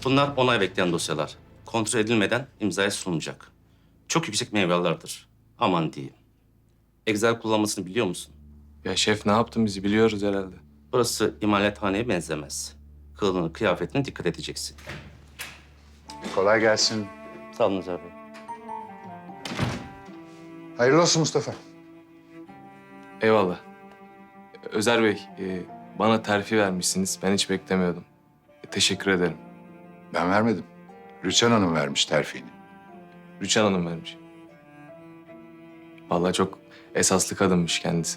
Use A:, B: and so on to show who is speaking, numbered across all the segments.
A: Bunlar onay bekleyen dosyalar. Kontrol edilmeden imzaya sunulacak. Çok yüksek meyvelerdir. Aman diyeyim. Excel kullanmasını biliyor musun?
B: Ya şef ne yaptın bizi biliyoruz herhalde.
A: Burası imalathaneye benzemez. Kılığına, kıyafetine dikkat edeceksin.
C: Kolay gelsin.
A: Sağ olun Özer Bey.
C: Hayırlı olsun Mustafa.
B: Eyvallah. Özer Bey, bana terfi vermişsiniz. Ben hiç beklemiyordum. Teşekkür ederim.
C: Ben vermedim. Rüçhan Hanım vermiş terfini.
B: Rüçhan Hanım vermiş. Vallahi çok esaslı kadınmış kendisi.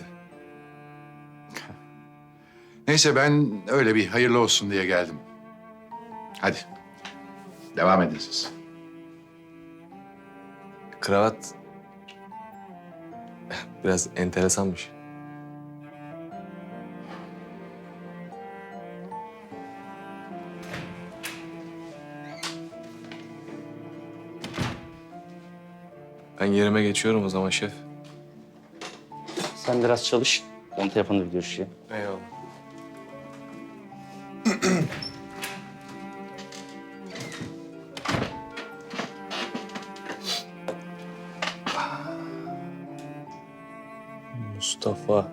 C: Neyse ben öyle bir hayırlı olsun diye geldim. Hadi. Devam edin siz.
B: Kravat biraz enteresanmış. Ben yerime geçiyorum o zaman şef.
A: Sen biraz çalış. Ben telefonda bir görüşeyim.
B: Eyvallah. Mustafa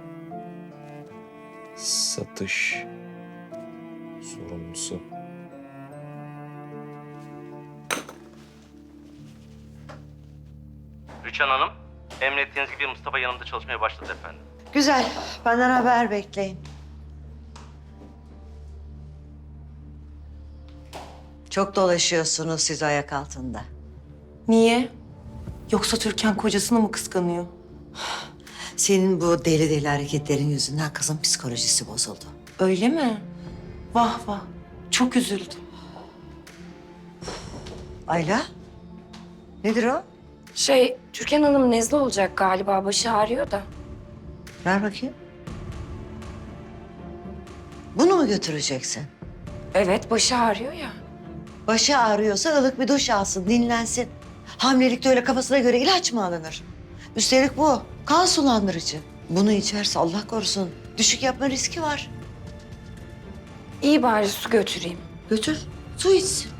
B: satış sorumlusu.
A: Rüçhan Hanım, emrettiğiniz gibi Mustafa yanımda çalışmaya başladı efendim.
D: Güzel. Benden haber bekleyin. Çok dolaşıyorsunuz siz ayak altında.
E: Niye? Yoksa Türkan kocasını mı kıskanıyor?
D: Senin bu deli deli hareketlerin yüzünden kızın psikolojisi bozuldu.
E: Öyle mi? Vah vah. Çok üzüldüm.
D: Ayla, nedir o?
F: Türkan Hanım nezle olacak galiba. Başı ağrıyor da.
D: Ver bakayım. Bunu mu götüreceksin?
F: Evet, başı ağrıyor ya.
D: Başı ağrıyorsa ılık bir duş alsın, dinlensin. Hamilelikte öyle kafasına göre ilaç mı alınır? Üstelik bu kan sulandırıcı. Bunu içerse Allah korusun düşük yapma riski var.
F: İyi bari su götüreyim.
D: Götür, su içsin.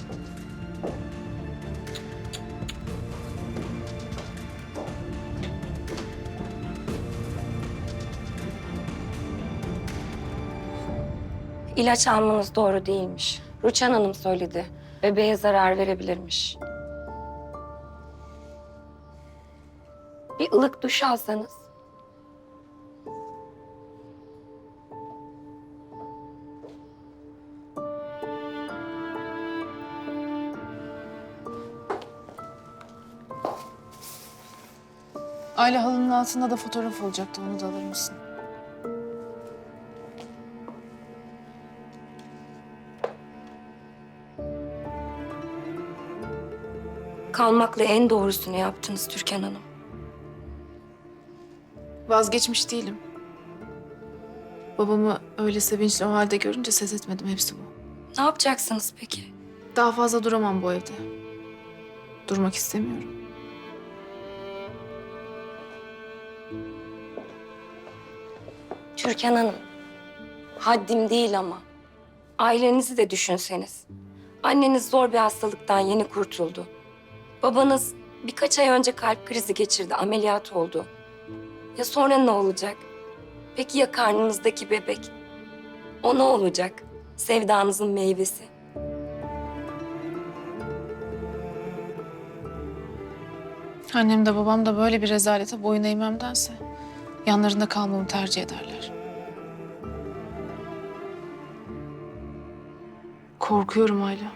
F: İlaç almanız doğru değilmiş. Rüçhan Hanım söyledi. Bebeğe zarar verebilirmiş. Bir ılık duş alsanız.
G: Ayla halının altında da fotoğraf olacaktı. Onu da alır mısın?
F: Kalmakla en doğrusunu yaptınız Türkan Hanım.
G: Vazgeçmiş değilim. Babamı öyle sevinçli o halde görünce ses etmedim. Hepsi bu.
F: Ne yapacaksınız peki?
G: Daha fazla duramam bu evde. Durmak istemiyorum.
F: Türkan Hanım, haddim değil ama ailenizi de düşünseniz. Anneniz zor bir hastalıktan yeni kurtuldu. Babanız birkaç ay önce kalp krizi geçirdi, ameliyat oldu. Ya sonra ne olacak? Peki ya karnınızdaki bebek? O ne olacak? Sevdanızın meyvesi.
G: Annem de babam da böyle bir rezalete boyun eğmemdense yanlarında kalmamı tercih ederler. Korkuyorum Ayla.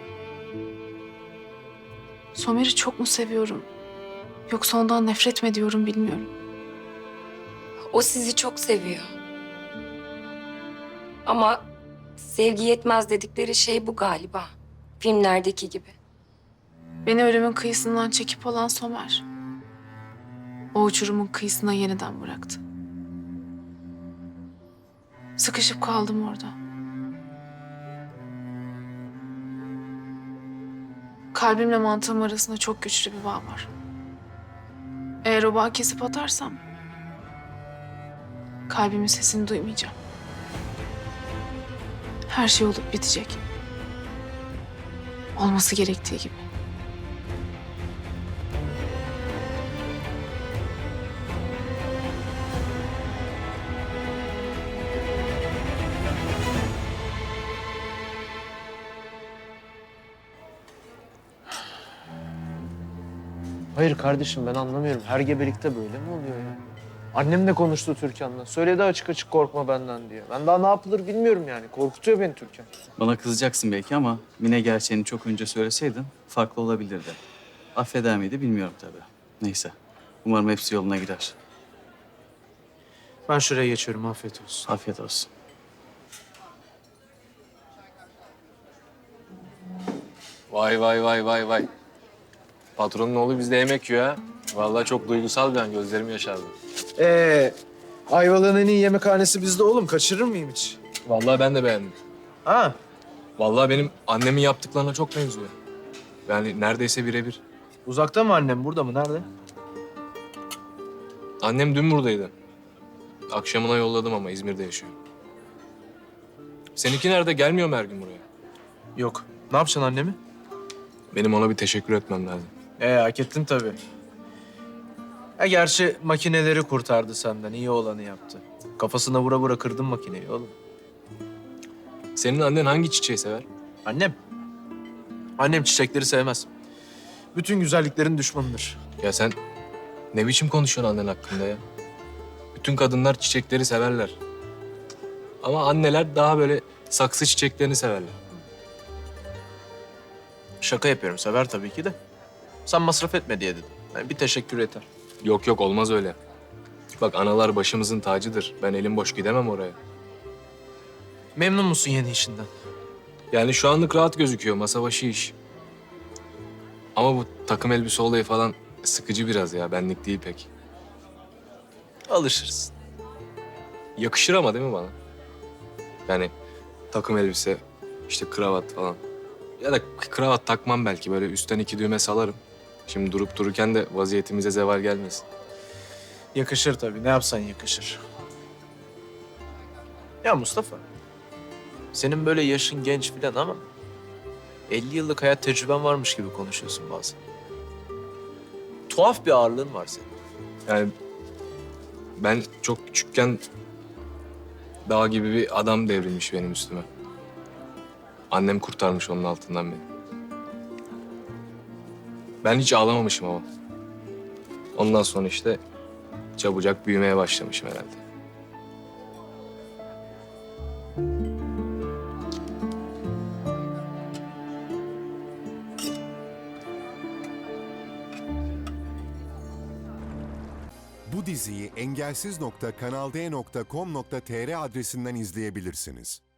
G: Somer'i çok mu seviyorum? Yoksa ondan nefret mi ediyorum bilmiyorum.
F: O sizi çok seviyor. Ama sevgi yetmez dedikleri şey bu galiba. Filmlerdeki gibi.
G: Beni ölümün kıyısından çekip alan Somer. O uçurumun kıyısına yeniden bıraktı. Sıkışıp kaldım orada. Kalbimle mantığım arasında çok güçlü bir bağ var. Eğer o bağı kesip atarsam kalbimin sesini duymayacağım. Her şey olup bitecek. Olması gerektiği gibi.
H: Hayır kardeşim ben anlamıyorum. Her gebelikte böyle mi oluyor ya? Annem de konuştu Türkan'la. Söyledi açık açık korkma benden diye. Ben daha ne yapılır bilmiyorum yani. Korkutuyor beni Türkan.
I: Bana kızacaksın belki ama Mine gerçeğini çok önce söyleseydin farklı olabilirdi. Affeder miydi bilmiyorum tabii. Neyse. Umarım hepsi yoluna girer.
H: Ben şuraya geçiyorum. Afiyet olsun.
I: Afiyet olsun.
B: Vay vay vay vay vay. Patronun oğlu bizde yemek yiyor ha. Vallahi çok duygusal bir an. Gözlerim yaşardı.
H: Ayvalık'ın en iyi yemekhanesi bizde oğlum. Kaçırır mıyım hiç?
B: Vallahi ben de beğendim.
H: Ha?
B: Vallahi benim annemin yaptıklarına çok benziyor. Yani neredeyse birebir.
H: Uzakta mı annem? Burada mı? Nerede?
B: Annem dün buradaydı. Akşamına yolladım ama İzmir'de yaşıyor. Seninki nerede? Gelmiyor mu her gün buraya?
H: Yok. Ne yapacaksın annemi?
B: Benim ona bir teşekkür etmem lazım.
H: Hak ettin tabii. Gerçi makineleri kurtardı senden. İyi olanı yaptı. Kafasına vura vura kırdın makineyi oğlum.
B: Senin annen hangi çiçeği sever?
H: Annem? Annem çiçekleri sevmez. Bütün güzelliklerin düşmanıdır.
B: Ya sen ne biçim konuşuyorsun annen hakkında ya? Bütün kadınlar çiçekleri severler. Ama anneler daha böyle saksı çiçeklerini severler.
H: Şaka yapıyorum. Sever tabii ki de. Sen masraf etme diye dedim. Yani bir teşekkür yeter.
B: Yok yok olmaz öyle. Bak analar başımızın tacıdır. Ben elim boş gidemem oraya.
H: Memnun musun yeni işinden?
B: Yani şu anlık rahat gözüküyor. Masa başı iş. Ama bu takım elbise olayı falan sıkıcı biraz ya. Benlik değil pek.
H: Alışırsın.
B: Yakışır ama değil mi bana? Yani takım elbise, işte kravat falan. Ya da kravat takmam belki. Böyle üstten 2 düğme salarım. Şimdi durup dururken de vaziyetimize zeval gelmesin.
H: Yakışır tabii. Ne yapsan yakışır. Ya Mustafa, senin böyle yaşın genç filan ama 50 yıllık hayat tecrüben varmış gibi konuşuyorsun bazen. Tuhaf bir ağırlığın var senin.
B: Yani ben çok küçükken dağ gibi bir adam devrilmiş benim üstüme. Annem kurtarmış onun altından beni. Ben hiç ağlamamışım ama. Ondan sonra işte çabucak büyümeye başlamışım herhalde.
J: Bu diziyi engelsiz.kanalde.com.tr adresinden izleyebilirsiniz.